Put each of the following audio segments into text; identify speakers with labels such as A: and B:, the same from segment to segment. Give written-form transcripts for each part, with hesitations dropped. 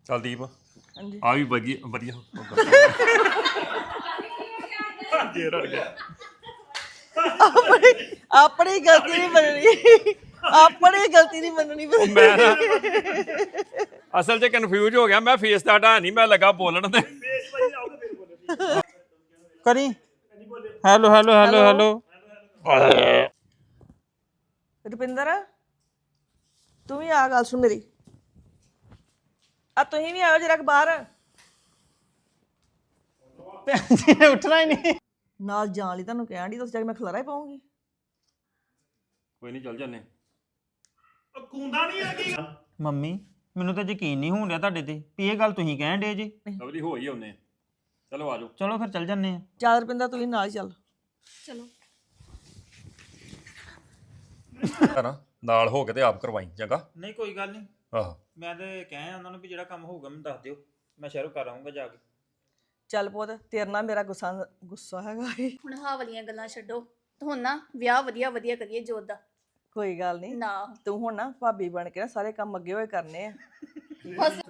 A: ਚੱਲ ਦੀਪ
B: ਹਾਂਜੀ
A: ਆ ਵੀ ਵਧੀਆ ਵਧੀਆ ਜੇ ਰੜ ਗਿਆ
B: ਆਪਣੀ ਗਲਤੀ ਨਹੀਂ ਮੰਨਣੀ ਆਪਣੀ ਗਲਤੀ ਨਹੀਂ ਮੰਨਣੀ
A: ਉਹ ਮੈਂ ਨਾ ਅਸਲ 'ਚ ਕਨਫਿਊਜ਼ ਹੋ ਗਿਆ ਮੈਂ ਫੇਸ ਦਾ ਹਟਾ ਨਹੀਂ ਮੈਂ ਲੱਗਾ ਬੋਲਣ ਤੇ
C: ਕਰੀ hello hello hello hello
B: Rupinder ਤੂੰ ਵੀ ਆ ਗੱਲ ਸੁਣ ਮੇਰੀ ਆ ਤੁਸੀਂ ਵੀ ਆਓ ਜਰਾ ਬਾਹਰ
C: ਭੈਣ ਜੀ ਨੇ ਉੱਠਣਾ ਹੀ ਨਹੀਂ
B: ਨਾਲ ਜਾਣ ਲਈ ਤੁਹਾਨੂੰ ਕਹਿਣ ਦੀ ਤੁਸੀਂ ਜਾ ਕੇ ਮੈਂ ਖਲਾਰਾ ਹੀ ਪਾਉਂਗੀ
A: ਕੋਈ ਨਹੀਂ ਚੱਲ ਜੰਨੇ
C: ਮੰਮੀ ਮੈਨੂੰ ਤਾਂ ਯਕੀਨ ਨਹੀਂ ਹੋਣ ਡਿਆ ਤੁਹਾਡੇ ਤੇ ਵੀ ਇਹ ਗੱਲ ਤੁਸੀਂ ਕਹਿਣ ਡੇ ਜੀ
A: ਲਵਲੀ ਹੋ ਹੀ ਆਉਨੇ ਚਲੋ ਆਜੋ
C: ਚਲੋ ਫਿਰ ਚੱਲ ਜੰਨੇ ਆ
B: ਚੱਲ ਰੁਪਿੰਦਰ ਤੂੰ ਵੀ ਨਾਲ ਹੀ ਚੱਲ
A: ਕਰਾਂ ਨਾਲ ਹੋ ਕੇ ਤੇ ਆਪ ਕਰਵਾਈ ਚੰਗਾ
C: ਨਹੀਂ ਕੋਈ ਗੱਲ ਨਹੀਂ
A: ਆਹੋ
C: ਮੈਂ ਤੇ ਕਹਿਆ ਉਹਨਾਂ ਨੂੰ ਵੀ ਜਿਹੜਾ ਕੰਮ ਹੋਊਗਾ ਮੈਨੂੰ ਦੱਸ ਦਿਓ ਮੈਂ ਸ਼ਹਿਰੋਂ ਕਰ ਆਉਂਗਾ ਜਾ ਕੇ
B: ਚੱਲ ਪੁੱਤ ਤੇਰੇ ਨਾਲ ਮੇਰਾ ਗੁੱਸਾ ਹੈਗਾ ਏ।
D: ਹੁਣ ਹਾਂ ਵਾਲੀਆਂ ਗੱਲਾਂ ਛੱਡੋ ਤੇ ਹੁਣ ਨਾ ਵਿਆਹ ਵਧੀਆ ਵਧੀਆ ਕਰੀਏ ਜੋਤ ਦਾ
B: ਕੋਈ ਗੱਲ ਨਹੀਂ
D: ਨਾ
B: ਤੂੰ ਹੁਣ ਨਾ ਭਾਬੀ ਬਣ ਕੇ ਨਾ ਸਾਰੇ ਕੰਮ ਅੱਗੇ ਹੋਏ ਕਰਨੇ ਆ
D: ਬਸ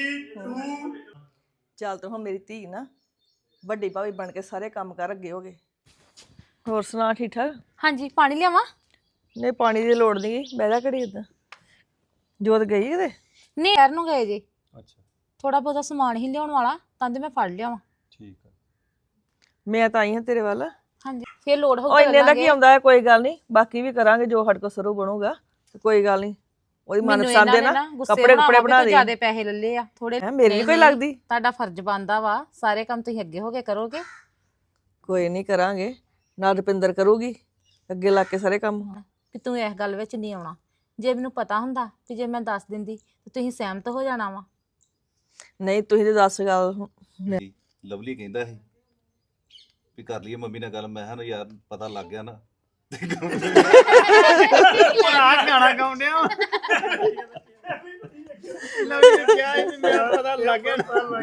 B: ਚੱਲ ਤੂੰ ਹੁਣ ਮੇਰੀ ਧੀ ਨਾ ਵੱਡੀ ਭਾਬੀ ਬਣ ਕੇ ਸਾਰੇ ਕੰਮ ਕਰ ਅੱਗੇ ਹੋ ਗਏ ਹੋਰ ਸੁਣਾ ਠੀਕ ਠਾਕ
D: ਹਾਂਜੀ ਪਾਣੀ ਲਿਆਵਾਂ
B: ਨਹੀਂ ਪਾਣੀ ਦੀ ਲੋੜ ਨਹੀਂ ਬਹਿ ਜਾ ਘੜੀ ਏਦਾਂ ਜੋਤ ਗਈ ਕਿਤੇ
D: ਨਹੀਂ ਸ਼ਹਿਰ ਨੂੰ ਗਏ ਜੀ
A: ਅੱਛਾ
D: ਥੋੜਾ ਬਹੁਤਾ ਸਮਾਨ ਹੀ ਲਿਆਉਣ ਵਾਲਾ ਤਾਂ ਤੇ ਮੈਂ ਫੜ ਲਿਆਵਾਂ
A: ਠੀਕ ਆ
B: ਮੈਂ ਤਾਂ ਆਈ ਹਾਂ ਤੇਰੇ ਵੱਲ
D: ਹਾਂਜੀ ਫੇਰ ਲੋੜ
B: ਉਹ
D: ਹੋਊ
B: ਇੰਨੇ ਦਾ ਕੀ ਆਉਂਦਾ ਹੈ ਕੋਈ ਗੱਲ ਨਹੀਂ ਬਾਕੀ ਵੀ ਕਰਾਂਗੇ ਜੋ ਸਾਡੇ ਕੋਲ ਸਰੂ ਬਣੂਗਾ ਤੇ ਕੋਈ ਗੱਲ ਨਹੀਂ ਉਹਦੀ ਮਨਪਸੰਦ ਦੇ ਨਾ ਕੱਪੜੇ ਕੁਪੜੇ ਬਣਾ ਦੇ
D: ਜਿਆਦੇ ਪੈਸੇ ਲੱਲੇ ਆ ਥੋੜੇ
B: ਹੈ ਮੇਰੀ ਨੀ ਕੋਈ ਲੱਗਦੀ
D: ਤੁਹਾਡਾ ਫਰਜ਼ ਬਣਦਾ ਵਾ ਸਾਰੇ ਕੰਮ ਤੁਸੀਂ ਅੱਗੇ ਹੋ ਕੇ ਕਰੋਗੇ
B: ਕੋਈ ਨਹੀਂ ਕਰਾਂਗੇ ਨਾਲ ਰੁਪਿੰਦਰ ਕਰੂਗੀ ਅੱਗੇ ਲਾ ਕੇ ਸਾਰੇ ਕੰਮ
D: ਕਿ ਤੂੰ ਇਸ ਗੱਲ ਵਿੱਚ ਨਹੀਂ ਆਉਣਾ ਜੇ ਮੈਨੂੰ ਪਤਾ ਹੁੰਦਾ ਕਿ ਜੇ ਮੈਂ ਦੱਸ ਦਿੰਦੀ ਤੇ ਤੁਸੀਂ ਸਹਿਮਤ ਹੋ ਜਾਣਾ ਵਾ
B: ਨਹੀਂ ਤੁਸੀਂ ਤੇ ਦੱਸ ਗੱਲ
E: ਲਵਲੀ ਕਹਿੰਦਾ ਸੀ ਵੀ ਕਰ ਲਈਏ ਮੰਮੀ ਨਾਲ ਗੱਲ ਮੈਂ ਕਿਹਾ ਨਾ ਯਾਰ ਪਤਾ ਲੱਗ ਗਿਆ ਨਾ
C: ਆ ਗਾਣਾ ਗਾਉਂਦਿਆ ਲਵਲੀ ਕਿਹਾ ਸੀ ਮੇਰਾ ਪਤਾ ਲੱਗ ਗਿਆ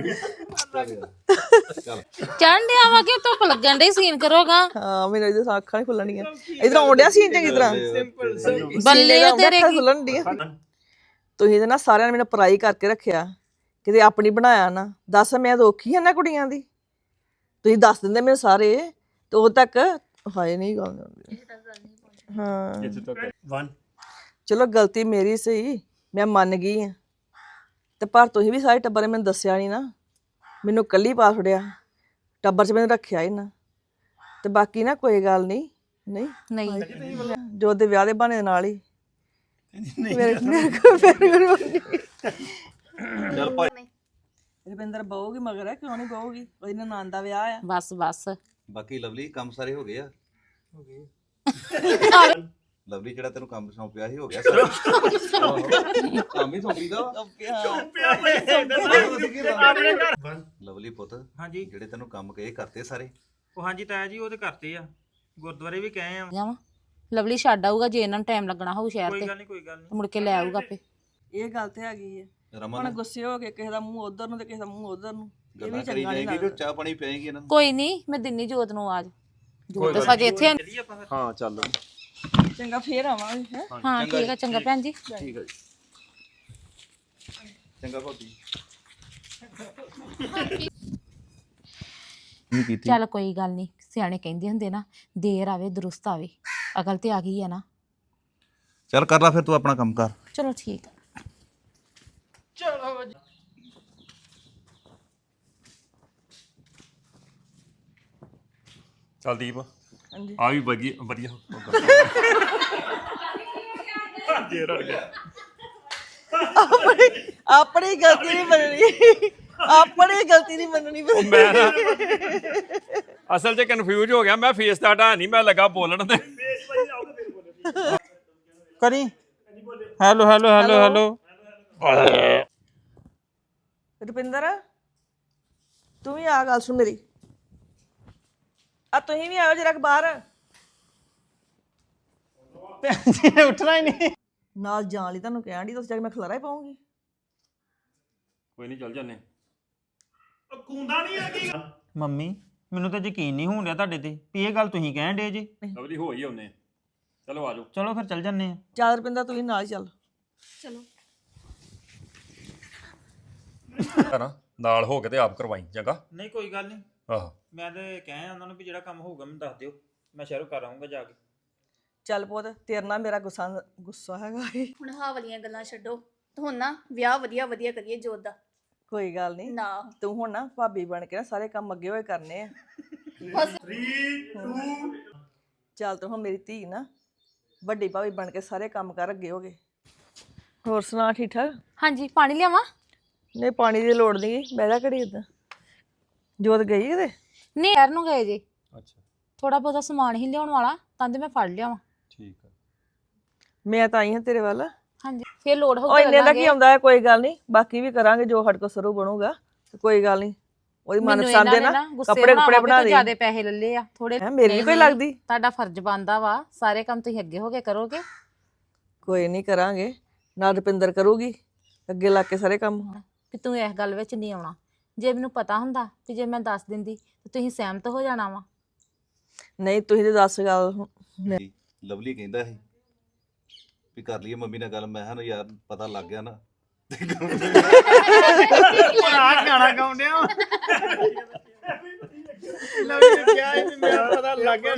E: ਚੱਲ
D: ਚੜ੍ਹਨ ਡਿਆ ਵਾ ਕਿ ਧੁੱਪ ਲੱਗਣ ਡਈ ਸੀਨ ਕਰੋਗਾ
B: ਹਾਂ ਮੈਨੂੰ ਇਹਦੇ ਅੱਖਾਂ ਨਹੀਂ ਖੁੱਲਣੀਆਂ ਇਧਰ ਆਉਂਦਿਆ ਸੀ ਚੰਗੀ ਤਰ੍ਹਾਂ
D: ਬੱਲੇ ਤੇਰੇ ਕੀ
B: ਖੁੱਲਣ ਦੀਆਂ ਤੁਸੀਂ ਤੇ ਨਾ ਸਾਰਿਆਂ ਨੇ ਮੈਨੂੰ ਪਰਾਈ ਕਰਕੇ ਰੱਖਿਆ ਕਿਤੇ ਆਪਣੀ ਬਣਾਇਆ ਨਾ ਦੱਸ ਮੈਂ ਤਾਂ ਔਖੀ ਹਾਂ ਨਾ ਕੁੜੀਆਂ ਦੀ ਤੁਸੀਂ ਦੱਸ ਦਿੰਦੇ ਮੈਨੂੰ ਸਾਰੇ ਤੇ ਉਦੋਂ ਤੱਕ ਹਾਏ ਨਹੀਂ ਗੱਲ ਹੁੰਦੀ ਹਾਂ
A: ਇੱਥੇ ਤੱਕ 1
B: ਚਲੋ ਗਲਤੀ ਮੇਰੀ ਸਹੀ ਮੈਂ ਮੰਨ ਗਈ ਆ ਤੇ ਪਰ ਤੁਸੀਂ ਵੀ ਸਾਰੇ ਟੱਬਰ ਨੇ ਮੈਨੂੰ ਦੱਸਿਆ ਨਹੀਂ ਨਾ ਮੈਨੂੰ ਕੱਲੀ ਪਾ ਛੜਿਆ ਟੱਬਰ 'ਚ ਮੈਨੂੰ ਰੱਖਿਆ ਹੀ ਨਾ ਤੇ ਬਾਕੀ ਨਾ ਕੋਈ ਗੱਲ ਨਹੀਂ ਨਹੀਂ
D: ਨਹੀਂ
B: ਜੋ ਦੇ ਵਿਆਹ ਦੇ ਬਹਾਨੇ ਦੇ ਨਾਲ ਹੀ ਮੇਰੇ ਕੋਲ ਫਿਰ
E: ਚੱਲ ਭਾਈ
B: ਰਵਿੰਦਰ ਬਹੂਗੀ ਮਗਰ ਹੈ ਕਿਉਂ ਨਹੀਂ ਬਹੂਗੀ ਉਹਦੀ ਨਨਾਣ ਦਾ ਵਿਆਹ ਆ
D: ਬਸ ਬਸ
E: ਬਾਕੀ ਲਵਲੀ ਕੰਮ ਸਾਰੇ ਹੋ ਗਏ ਆ ਲਵਲੀ ਜਿਹੜਾ ਤੈਨੂੰ ਕੰਮ ਸੌਂਪਿਆ ਸੀ ਹੋ ਗਿਆ ਸਾਰਾ ਕੰਮ ਹੀ ਸੌਂਪੀਦਾ ਲਵਲੀ ਪੁੱਤ
C: ਹਾਂਜੀ
E: ਜਿਹੜੇ ਤੈਨੂੰ ਕੰਮ ਕਹੇ ਕਰਤੇ ਸਾਰੇ
C: ਉਹ ਹਾਂਜੀ ਤਾਇਆ ਜੀ ਉਹ ਤੇ ਕਰਤੇ ਆ ਗੁਰਦੁਆਰੇ ਵੀ ਕਹੇ ਆ
D: ਜਾਵਾਂ ਲਵਲੀ ਛੱਡ ਆਊਗਾ ਜੇ ਇਹਨਾਂ ਨੂੰ ਟਾਈਮ ਲੱਗਣਾ ਹੋਊ ਸ਼ਹਿਰ
C: ਕੋਈ
D: ਤੇ
C: ਗੱਲ ਨਹੀਂ ਕੋਈ ਗੱਲ ਨਹੀਂ
D: ਮੁੜ ਕੇ ਲੈ ਆਊਗਾ ਆਪੇ
B: ਇਹ ਗੱਲ ਤੇ ਹੈਗੀ ਹੈ ਹੁਣ
E: ਰਮਨ
B: ਗੁੱਸੇ ਹੋ ਕੇ ਕਿਸੇ ਦਾ ਮੂੰਹ ਉਧਰ ਨੂੰ ਤੇ ਕਿਸੇ ਦਾ ਮੂੰਹ ਉਧਰ ਨੂੰ ਇਹ ਵੀ
E: ਗੱਲਾਂ ਕਰੀ
B: ਚੰਗਾ ਨਹੀਂ
E: ਜਾਏਗੀ ਕਿ
B: ਲੱਗਦਾ
E: ਚਾਹ ਪਾਣੀ ਪੀਏਗੀ ਇਹਨਾਂ ਨੂੰ
D: ਕੋਈ ਨਹੀਂ ਮੈਂ ਦਿੰਨੀ ਜੋਤ ਨੂੰ ਆਵਾਜ਼ ਜੋਤ ਤਾਂ ਸਜੇ ਇੱਥੇ
C: ਚੱਲੀਏ ਆਪਾਂ ਫਿਰ
A: ਹਾਂ ਚੱਲ
B: ਚੰਗਾ ਫੇਰ ਆਵਾਂਗੇ ਹੈ
D: ਹਾਂ ਠੀਕ ਆ ਚੰਗਾ ਭੈਣ ਜੀ
A: ਠੀਕ ਹੈ ਜੀ
E: ਚੰਗਾ ਭਾਬੀ
D: ਚੱਲ ਕੋਈ ਗੱਲ ਨਹੀਂ ਸਿਆਣੇ ਕਹਿੰਦੇ ਹੁੰਦੇ ਨਾ ਦੇਰ ਆਵੇ ਦਰੁਸਤ ਆਵੇ ਅਕਲ ਤੇ ਆ ਗਈ ਆ ਨਾ
E: ਚੱਲ ਕਰ ਲੈ ਫਿਰ ਤੂੰ ਆਪਣਾ ਕੰਮ ਕਰ
D: ਚਲੋ ਠੀਕ ਆ
A: ਚੱਲ ਦੀਪ
B: ਹਾਂਜੀ
A: ਆ ਵੀ ਵਧੀਆ ਵਧੀਆ ਜੇ ਰੜ ਗਿਆ
B: ਆਪਣੀ ਗਲਤੀ ਨਹੀਂ ਮੰਨਣੀ ਆਪਣੀ ਗਲਤੀ ਨਹੀਂ ਮੰਨਣੀ
A: ਉਹ ਮੈਂ ਨਾ ਅਸਲ 'ਚ ਕਨਫਿਊਜ਼ ਹੋ ਗਿਆ ਮੈਂ ਫੇਸ ਦਾ ਹਟਾ ਨਹੀਂ ਮੈਂ ਲੱਗਾ ਬੋਲਣ ਤੇ
C: ਕਰੀ hello hello hello hello
B: Rupinder ਤੂੰ ਵੀ ਆ ਗੱਲ ਸੁਣ ਮੇਰੀ ਆ ਤੁਸੀਂ ਵੀ ਆਓ ਜਰਾ ਬਾਹਰ
C: ਭੈਣ ਜੀ ਨੇ ਉੱਠਣਾ ਹੀ ਨਹੀਂ
B: ਨਾਲ ਜਾਣ ਲਈ ਤੁਹਾਨੂੰ ਕਹਿਣ ਦੀ ਤੁਸੀਂ ਜਾ ਕੇ ਮੈਂ ਖਲਾਰਾ ਹੀ ਪਾਉਂਗੀ
A: ਕੋਈ ਨਹੀਂ ਚੱਲ ਜੰਨੇ
C: ਮੰਮੀ ਮੈਨੂੰ ਤਾਂ ਯਕੀਨ ਨਹੀਂ ਹੋਣ ਡਿਆ ਤੁਹਾਡੇ ਤੇ ਵੀ ਇਹ ਗੱਲ ਤੁਸੀਂ ਕਹਿਣ ਡੇ ਜੀ
A: ਲਵਲੀ ਹੋ ਹੀ ਆਉਨੇ ਚਲੋ ਆਜੋ
C: ਚਲੋ ਫਿਰ ਚੱਲ ਜੰਨੇ ਆ
B: ਚੱਲ ਰੁਪਿੰਦਰ ਤੂੰ ਵੀ ਨਾਲ ਹੀ ਚੱਲ
D: ਚਲੋ
A: ਨਾ ਨਾਲ ਹੋ ਕੇ ਤੇ ਆਪ ਕਰਵਾਈ ਚੰਗਾ
C: ਨਹੀਂ ਕੋਈ ਗੱਲ ਨਹੀਂ
A: ਆਹੋ
C: ਮੈਂ ਤੇ ਕਹਿ ਉਹਨਾਂ ਨੂੰ ਵੀ ਜਿਹੜਾ ਕੰਮ ਹੋਊਗਾ ਮੈਨੂੰ ਦੱਸ ਦਿਓ ਮੈਂ ਸ਼ਹਿਰੋਂ ਕਰ ਆਉਂਗਾ ਜਾ ਕੇ
B: ਚੱਲ ਪੁੱਤ ਤੇਰੇ ਨਾਲ ਮੇਰਾ ਗੁੱਸਾ ਹੈਗਾ ਏ।
F: ਹੁਣ ਆਹ ਵਾਲੀਆਂ ਗੱਲਾਂ ਛੱਡੋ ਤੇ ਹੁਣ ਨਾ ਵਿਆਹ ਵਧੀਆ ਵਧੀਆ ਕਰੀਏ ਜੋਤ ਦਾ
B: ਕੋਈ ਗੱਲ ਨਹੀਂ
F: ਨਾ
B: ਤੂੰ ਹੁਣ ਨਾ ਭਾਬੀ ਬਣ ਕੇ ਨਾ ਸਾਰੇ ਕੰਮ ਅੱਗੇ ਹੋਏ ਕਰਨੇ ਆ ਚੱਲ ਤੂੰ ਹੁਣ ਮੇਰੀ ਧੀ ਨਾ ਵੱਡੀ ਭਾਬੀ ਬਣ ਕੇ ਸਾਰੇ ਕੰਮ ਕਰ ਅੱਗੇ ਹੋਗੇ ਹੋਰ ਸੁਣਾ ਠੀਕ ਠਾਕ
D: ਹਾਂਜੀ ਪਾਣੀ ਲਿਆਵਾਂ
B: ਨਹੀਂ ਪਾਣੀ ਦੀ ਲੋੜ ਨਹੀਂ ਬਹਿ ਜਾ ਘੜੀ ਏਦਾਂ ਜੋਤ ਗਈ ਕਿਤੇ
D: ਨਹੀਂ ਯਾਰ ਨੂੰ ਗਏ ਜੀ
A: ਅੱਛਾ
D: ਥੋੜਾ ਬਹੁਤਾ ਸਮਾਨ ਹੀ ਲਿਆਉਣ ਵਾਲਾ ਤਾਂ ਤੇ ਮੈਂ ਫੜ ਲਿਆਵਾਂ
A: ਠੀਕ ਆ
B: ਮੈਂ ਤਾਂ ਆਈ ਹਾਂ ਤੇਰੇ ਵੱਲ
D: ਹਾਂਜੀ ਫੇਰ ਲੋੜ
B: ਉਹ
D: ਹੋਊ
B: ਇੰਨੇ ਦਾ ਕੀ ਆਉਂਦਾ ਹੈ ਕੋਈ ਗੱਲ ਨਹੀਂ ਬਾਕੀ ਵੀ ਕਰਾਂਗੇ ਜੋ ਸਾਡੇ ਕੋਲ ਸਰੂ ਬਣੂਗਾ ਤੇ ਕੋਈ ਗੱਲ ਨਹੀਂ ਉਹਦੀ ਮਨਪਸੰਦ ਦੇ ਨਾ ਕੱਪੜੇ ਕੁਪੜੇ ਬਣਾ ਦੇ
D: ਜਿਆਦੇ ਪੈਸੇ ਲੱਲੇ ਆ ਥੋੜੇ
B: ਹੈਂ, ਮੇਰੀ ਨੀ ਕੋਈ ਲੱਗਦੀ
D: ਤੁਹਾਡਾ ਫਰਜ਼ ਬਣਦਾ ਵਾ ਸਾਰੇ ਕੰਮ ਤੁਸੀਂ ਅੱਗੇ ਹੋ ਕੇ ਕਰੋਗੇ
B: ਕੋਈ ਨਹੀਂ ਕਰਾਂਗੇ ਨਾ ਰੁਪਿੰਦਰ ਕਰੂਗੀ ਅੱਗੇ ਲਾ ਕੇ ਸਾਰੇ ਕੰਮ
D: ਕਿ ਤੂੰ ਇਸ ਗੱਲ ਵਿੱਚ ਨਹੀਂ ਆਉਣਾ ਜੇ ਮੈਨੂੰ ਪਤਾ ਹੁੰਦਾ ਕਿ ਜੇ ਮੈਂ ਦੱਸ ਦਿੰਦੀ ਤੇ ਤੁਸੀਂ ਸਹਿਮਤ ਹੋ ਜਾਣਾ ਵਾ
B: ਨਹੀਂ ਤੁਸੀਂ ਤੇ ਦੱਸ ਗੱਲ
E: ਲਵਲੀ ਕਹਿੰਦਾ ਸੀ ਵੀ ਕਰ ਲਈਏ ਮੰਮੀ ਨਾਲ ਗੱਲ ਮੈਂ ਕਿਹਾ ਨਾ ਯਾਰ ਪਤਾ ਲੱਗ ਗਿਆ ਨਾ
C: ਆ ਗਾਣਾ ਗਾਉਂਦਿਆ ਲਵਲੀ ਕਿਹਾ ਸੀ ਮੈਂ ਪਤਾ ਲੱਗ ਗਿਆ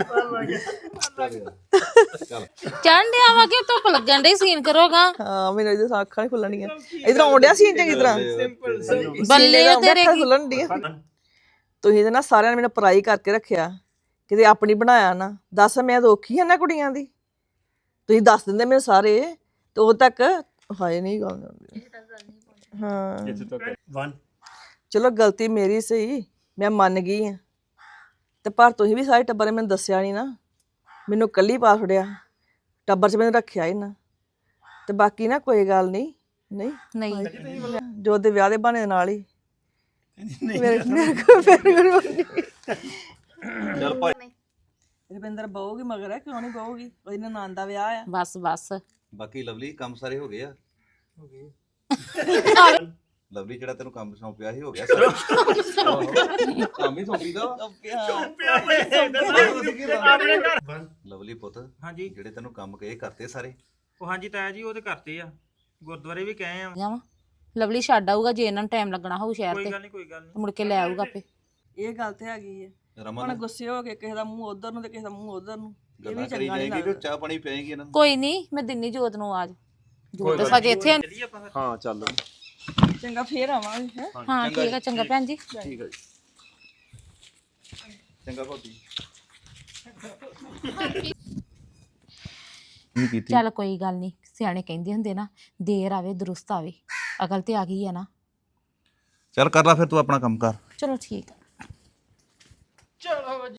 E: ਚੱਲ
D: ਚੜ੍ਹਨ ਡਿਆ ਵਾ ਕਿ ਧੁੱਪ ਲੱਗਣ ਡਈ ਸੀਨ ਕਰੋਗਾ
B: ਹਾਂ ਮੈਨੂੰ ਇਹਦੇ ਅੱਖਾਂ ਹੀ ਖੁੱਲਣੀਆਂ ਇਧਰ ਆਉਂਦਿਆ ਸੀ ਚੰਗੀ ਤਰ੍ਹਾਂ
D: ਬੱਲੇ ਆ ਤੇਰੇ ਕੀ
B: ਖੁੱਲਣ ਦੀਆਂ ਤੁਸੀਂ ਤੇ ਨਾ ਸਾਰਿਆਂ ਨੇ ਮੈਨੂੰ ਪਰਾਈ ਕਰਕੇ ਰੱਖਿਆ ਕਿਤੇ ਆਪਣੀ ਬਣਾਇਆ ਨਾ ਦੱਸ ਮੈਂ ਤਾਂ ਔਖੀ ਆ ਨਾ ਕੁੜੀਆਂ ਦੀ ਤੁਸੀਂ ਦੱਸ ਦਿੰਦੇ ਮੈਨੂੰ ਸਾਰੇ ਤੇ ਉਦੋਂ ਤੱਕ ਹਾਏ ਨਹੀਂ ਗੱਲ ਹਾਂ ਚਲੋ ਗਲਤੀ ਮੇਰੀ ਸਹੀ ਮੈਂ ਮੰਨ ਗਈ ਆ ਤੇ ਪਰ ਤੁਸੀਂ ਵੀ ਸਾਰੇ ਟੱਬਰ ਨੇ ਮੈਨੂੰ ਦੱਸਿਆ ਨਹੀਂ ਨਾ ਮੈਨੂੰ ਕੱਲੀ ਪਾ ਛੜਿਆ ਟੱਬਰ 'ਚ ਮੈਨੂੰ ਰੱਖਿਆ ਹੀ ਨਾ ਤੇ ਬਾਕੀ ਨਾ ਕੋਈ ਗੱਲ ਨਹੀਂ ਨਹੀਂ
D: ਨਹੀਂ
B: ਜੋ ਦੇ ਵਿਆਹ ਦੇ ਬਹਾਨੇ ਨਾਲ ਹੀ ਮੇਰੇ ਕੋਲ
E: ਚੱਲ ਭਾਈ
B: ਰਵਿੰਦਰ ਬਹੂਗੀ ਮਗਰ ਹੈ ਕਿਉਂ ਨਹੀਂ ਬਹੂਗੀ ਉਹਦੀ ਨਨਾਣ ਦਾ ਵਿਆਹ ਆ
D: ਬਸ ਬਸ
E: ਬਾਕੀ ਲਵਲੀ ਕੰਮ ਸਾਰੇ ਹੋ ਗਏ ਆ ਲਵਲੀ ਜਿਹੜਾ ਤੈਨੂੰ ਕੰਮ ਸੌਂਪਿਆ ਸੀ ਹੋ ਗਿਆ ਸਾਰਾ ਕੰਮ ਹੀ ਸੌਂਪੀਦਾ ਲਵਲੀ ਪੁੱਤ
C: ਹਾਂਜੀ
E: ਜਿਹੜੇ ਤੈਨੂੰ ਕੰਮ ਕਹੇ ਕਰਤੇ ਸਾਰੇ
C: ਉਹ ਹਾਂਜੀ ਤਾਇਆ ਜੀ ਉਹ ਤੇ ਕਰਤੇ ਆ ਗੁਰਦੁਆਰੇ ਵੀ ਕਹੇ ਆ
D: ਜਾਵਾਂ ਲਵਲੀ ਛੱਡ ਆਊਗਾ ਜੇ ਇਹਨਾਂ ਨੂੰ ਟਾਈਮ ਲੱਗਣਾ ਹੋਊ ਸ਼ਹਿਰ
C: ਕੋਈ
D: ਤੇ
C: ਗੱਲ ਨਹੀਂ ਕੋਈ ਗੱਲ ਨਹੀਂ
D: ਮੁੜ ਕੇ ਲੈ ਆਊਗਾ ਆਪੇ
B: ਇਹ ਗੱਲ ਤੇ ਹੈਗੀ ਹੈ ਹੁਣ
E: ਰਮਨ
B: ਗੁੱਸੇ ਹੋ ਕੇ ਕਿਸੇ ਦਾ ਮੂੰਹ ਉਧਰ ਨੂੰ ਤੇ ਕਿਸੇ ਦਾ ਮੂੰਹ ਉਧਰ ਨੂੰ ਇਹ ਵੀ
E: ਗੱਲਾਂ ਕਰੀ
B: ਚੰਗਾ ਨਹੀਂ
E: ਜਾਏਗੀ
B: ਲੱਗਦਾ
E: ਕਿ ਚਾਹ ਪਾਣੀ ਪਿਆਏਗੀ ਇਹਨਾਂ ਨੂੰ
D: ਕੋਈ ਨਹੀਂ ਮੈਂ ਦਿੰਨੀ ਜੋਤ ਨੂੰ ਆਵਾਜ਼ ਜੋਤ ਤਾਂ ਸਾਜੇ ਇੱਥੇ ਆ।
C: ਚੱਲੀਏ ਆਪਾਂ ਫਿਰ
A: ਹਾਂ ਚੱਲ
B: ਚੰਗਾ ਫੇਰ ਆਵਾਂਗੇ ਹੈ
D: ਹਾਂ ਠੀਕ ਆ ਚੰਗਾ ਭੈਣ ਜੀ
E: ਠੀਕ ਹੈ ਚੰਗਾ ਭਾਬੀ
D: ਚੱਲ ਕੋਈ ਗੱਲ ਨਹੀਂ ਸਿਆਣੇ ਕਹਿੰਦੇ ਹੁੰਦੇ ਨਾ ਦੇਰ ਆਵੇ ਦਰੁਸਤ ਆਵੇ ਅਕਲ ਤੇ ਆ ਗਈ ਆ ਨਾ
E: ਚੱਲ ਕਰ ਲੈ ਫਿਰ ਤੂੰ ਆਪਣਾ ਕੰਮ ਕਰ
D: ਚਲੋ ਠੀਕ ਆ